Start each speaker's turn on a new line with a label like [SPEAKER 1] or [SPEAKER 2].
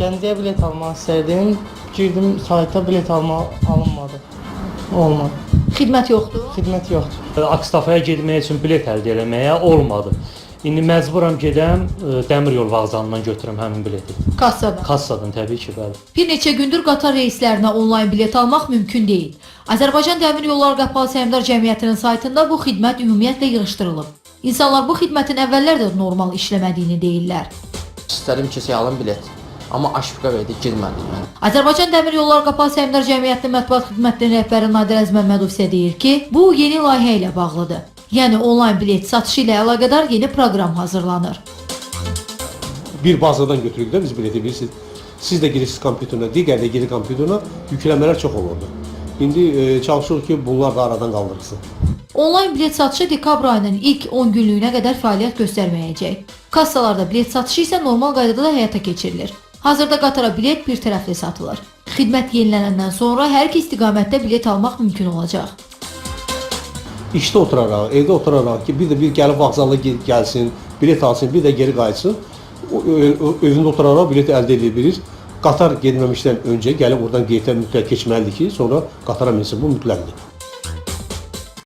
[SPEAKER 1] Gəncəyə bilet almaq istərdim. Girdim sayta bilet alınmadı. Olmadı.
[SPEAKER 2] Xidmət yoxdur.
[SPEAKER 1] Xidmət yoxdur.
[SPEAKER 3] Akstafaya getmək üçün bilet əldə eləməyə olmadı. İndi məcburam gedəm dəmir yol vağzalından götürüm həmin bileti.
[SPEAKER 2] Kassadan.
[SPEAKER 3] Kassadan təbii ki, bəli.
[SPEAKER 2] Bir neçə gündür qatar reyslərinə onlayn bilet almaq mümkün deyil. Azərbaycan Dəmir Yolları Qapalı Səhmdar Cəmiyyətinin saytında bu xidmət ümumiyyətlə yığışdırılıb. İnsanlar bu xidmətin əvvəllər də normal işləmədiyini deyirlər.
[SPEAKER 4] İstədim ki, alım bilet. Amma aşıqa verdi, girmədim mən.
[SPEAKER 2] Azərbaycan Dəmir Yolları Qapalı Səhmdar Cəmiyyətinin mətbuat xidmətinin rəhbəri Nadir Əzməmmədov isə deyir ki, bu yeni layihə ilə bağlıdır. Yəni onlayn bilet satışı ilə əlaqədar yeni proqram hazırlanır.
[SPEAKER 5] Bir bazadan götürürük də biz bileti bilirsiniz. Siz də girirsiniz kompüterına, digər də girir kompüterına, yükləmələr çox olurdu. İndi çalışırıq ki, bunlar da aradan qaldırılsın.
[SPEAKER 2] Onlayn bilet satışı dekabr ayının ilk 10 günlüyünə qədər fəaliyyət göstərməyəcək. Kassalarda bilet satışı isə normal qaydada da həyata keçirilir. Hazırda qatara bilet bir tərəfli satılır. Xidmət yenilənəndən sonra hər iki istiqamətdə bilet almaq mümkün olacaq.
[SPEAKER 5] İşdə oturaraq, evdə oturaraq ki, bir də bir gəlib vağzala gəlsin, bilet alsın, bir də geri qayıtsın. Özündə oturaraq bilet əldə edə bilir. Qatar getməmişdən öncə gəlib oradan qeytə mütləq keçməlidir ki, sonra qatara minsin. Bu mütləqdir.